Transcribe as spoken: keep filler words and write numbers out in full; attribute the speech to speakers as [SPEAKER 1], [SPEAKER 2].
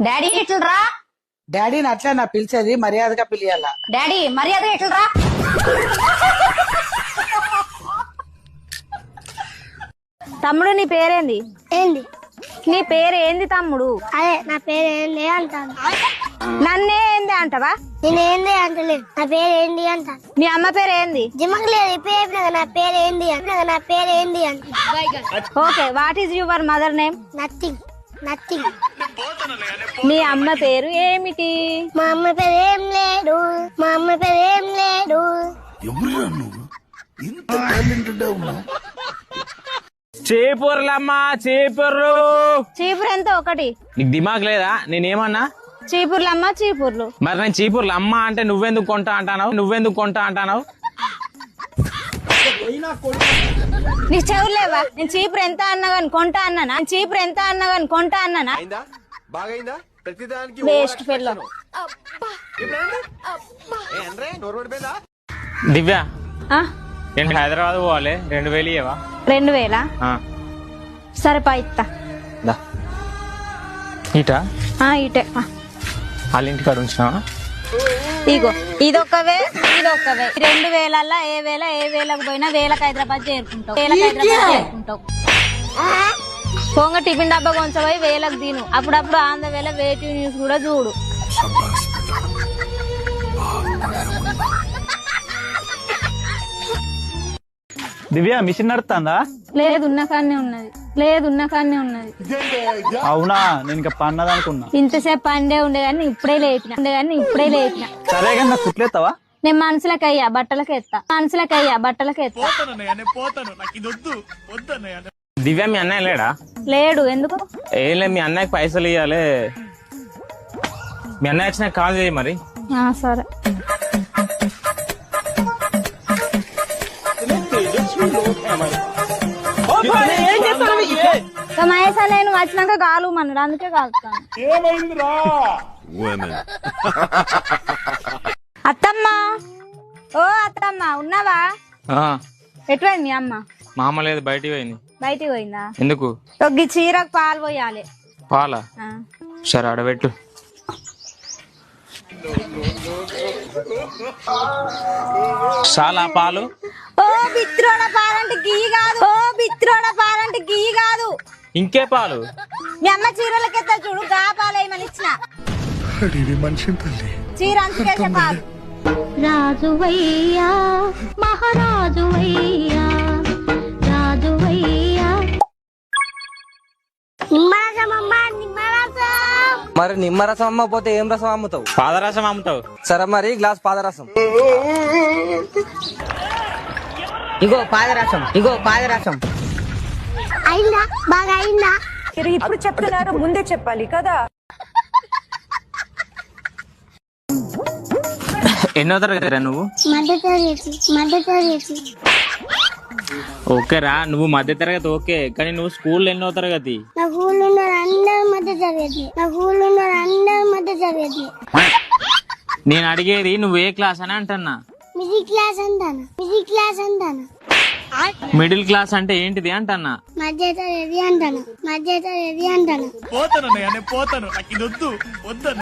[SPEAKER 1] Daddy ఎట్లరా?
[SPEAKER 2] డాడీని అట్లా నా పిలిచేది, మర్యాదగా పిలియాల.
[SPEAKER 1] డాడీ మర్యాదగా ఎట్లరా?
[SPEAKER 3] తమ్ముడు నీ పేరేంది?
[SPEAKER 4] ఏంది
[SPEAKER 3] నీ పేరు ఏంది తమ్ముడు?
[SPEAKER 4] అదే నా పేరు ఏంది అంటాను.
[SPEAKER 3] నన్నే ఏంది అంటవా?
[SPEAKER 4] నేను ఏంది అంటలేదు, నా పేరు ఏంది అంటాను.
[SPEAKER 3] మీ అమ్మ పేరు ఏంది?
[SPEAKER 4] జిమ్మకు లేదు ఇప్పుడు చెప్పినా నా పేరు ఏంది అంటే నా పేరు ఏంది అంట.
[SPEAKER 3] Okay, what is your mother name?
[SPEAKER 4] Nothing nothing.
[SPEAKER 3] మీ అమ్మ పేరు ఏమిటి?
[SPEAKER 4] మా అమ్మ పేరు ఏం లేదు, మా అమ్మ పేరు ఏం లేదు.
[SPEAKER 5] ఎవరురా నువ్వు ఇంత టాలెంటెడ్ ఉన్నావు?
[SPEAKER 6] చీపుర్లమ్మా చీపుర్లు.
[SPEAKER 3] చీపురు ఎంత ఒకటి?
[SPEAKER 6] నీకు దిమాగ్ లేదా? నేనేమన్నా?
[SPEAKER 3] చీపుర్లమ్మ చీపుర్లు.
[SPEAKER 6] మరి నేను చీపుర్లు అమ్మ అంటే నువ్వెందుకు కొంటా అంటావు? నువ్వెందుకు కొంటా అంటావు?
[SPEAKER 3] నీకు చెవులేవా? నేను చీపురు ఎంత అన్నా గాని కొంటా అన్నానా? చీపురు ఎంత అన్నా గాని కొంటా అన్నానా? Waste fellow.
[SPEAKER 6] దివ్య,
[SPEAKER 3] ఆ?
[SPEAKER 6] నేను హైదరాబాద్ పోవాలి, రెండు వేలు ఇవ్వవా?
[SPEAKER 3] రెండు వేలా? సరే పా ఇత్తా.
[SPEAKER 6] ఇటా
[SPEAKER 3] ఆ, ఇటే ఆ.
[SPEAKER 6] వాళ్ళ ఇంటికాడ ఉంచినావా?
[SPEAKER 3] ఇగో ఇదొక్కవే ఇదొక్కవే. రెండు వేలల్లా ఏ వేల ఏ వేలకు పోయినా వేలకు హైదరాబాద్ చేరుకుంటావు, వేలకు హైదరాబాద్ చేరుకుంటావు. పొంగ టిఫిన్ డబ్బా కొంచెం పోయి వేలకు తిను. అప్పుడప్పుడు ఆంధ్ర వేళ వేటి న్యూస్ కూడా చూడు.
[SPEAKER 7] దివ్య మిషన్ నడుతుందా?
[SPEAKER 3] లేదు ఉన్న కాన్నే ఉన్నది, లేదు ఉన్న కాన్నే ఉన్నది.
[SPEAKER 7] అవునా, నేను ఇంకా పన్నది అనుకున్నా.
[SPEAKER 3] ఇంతసేపు పండే ఉండే గానీ ఇప్పుడే లేపిన ఉండే గానీ ఇప్పుడే లేపిన.
[SPEAKER 7] సరే కానీ నాకు కుట్లేస్తావా?
[SPEAKER 3] నేను మనసులకు అయ్యా బట్టలకి ఎత్తా, మనసులకు అయ్యా బట్టలకి ఎత్తా.
[SPEAKER 6] దివ్య మీ అన్నయ్య లేడా?
[SPEAKER 3] లేడు. ఎందుకు?
[SPEAKER 6] ఏం లేదు, మీ అన్నయ్యకి పైసలు ఇవ్వాలి. మీ అన్నయ్య వచ్చినాక కాల్ చేయి మరి.
[SPEAKER 3] ఆ, సరే. మహేశా నేను వచ్చినాక కాలు మన్నాడు, అందుకే కాలుతాను. అత్తమ్మ, ఓ అత్తమ్మ ఉన్నావా?
[SPEAKER 6] ఆ,
[SPEAKER 3] ఎటువంటి అమ్మ?
[SPEAKER 6] మా అమ్మ లేదు, బయటికి పోయింది.
[SPEAKER 3] బయటికి పోయిందా?
[SPEAKER 6] ఎందుకు?
[SPEAKER 3] తొగ్గి చీరకు పాలు పోయాలి.
[SPEAKER 6] పాలా? సరే ఆడబెట్టు. చాలా పాలు.
[SPEAKER 3] ఓ బిత్రోడ పాలంటే గీ కాదు, ఓ బిత్రోడ పాలంటే గీ కాదు.
[SPEAKER 6] ఇంకే పాలు?
[SPEAKER 3] మీ అమ్మ చీరలకెత్తా చూడు, గా పాలు ఏమని ఇచ్చిన చీర అంచుకేసే పాలు.
[SPEAKER 4] రాజువయ్యా మహారాజువయ్యా రాజువయ్యా. నిమ్మరసం అమ్మా, నిమ్మరసం.
[SPEAKER 8] మరి నిమ్మరసం అమ్మకపోతే ఏం రసం అమ్ముతావు?
[SPEAKER 6] పాదరసం అమ్ముతావు.
[SPEAKER 8] సరే మరి గ్లాస్ పాదరసం.
[SPEAKER 9] ఇగో పాదరసం, ఇగో పాదరసం.
[SPEAKER 4] అయిందా? బాగా అయిందా?
[SPEAKER 1] ఇప్పుడు చెప్తున్నారు, ముందే చెప్పాలి కదా.
[SPEAKER 6] ఎన్నో తరగతిరా నువ్వు?
[SPEAKER 4] మధ్య తరగతి, మధ్య తరగతి.
[SPEAKER 6] ఓకేరా, నువ్వు మధ్య తరగతి ఓకే, కానీ నువ్వు స్కూల్ ఎన్నో తరగతి?
[SPEAKER 4] నా ఊళ్ళో ఉన్న అందరూ మధ్య తరగతి, నా ఊళ్ళో ఉన్న అందరూ మధ్య తరగతి.
[SPEAKER 6] నేను అడిగేది నువ్వు ఏ క్లాస్ అని అంటున్నా.
[SPEAKER 4] మిడిల్ క్లాస్ అంటాను, మిడిల్ క్లాస్ అంటాను.
[SPEAKER 6] మిడిల్ క్లాస్ అంటే ఏంటిది అంటన్నా?
[SPEAKER 4] మధ్య తరగతి అంటాను, మధ్య తరగతి అంటాను.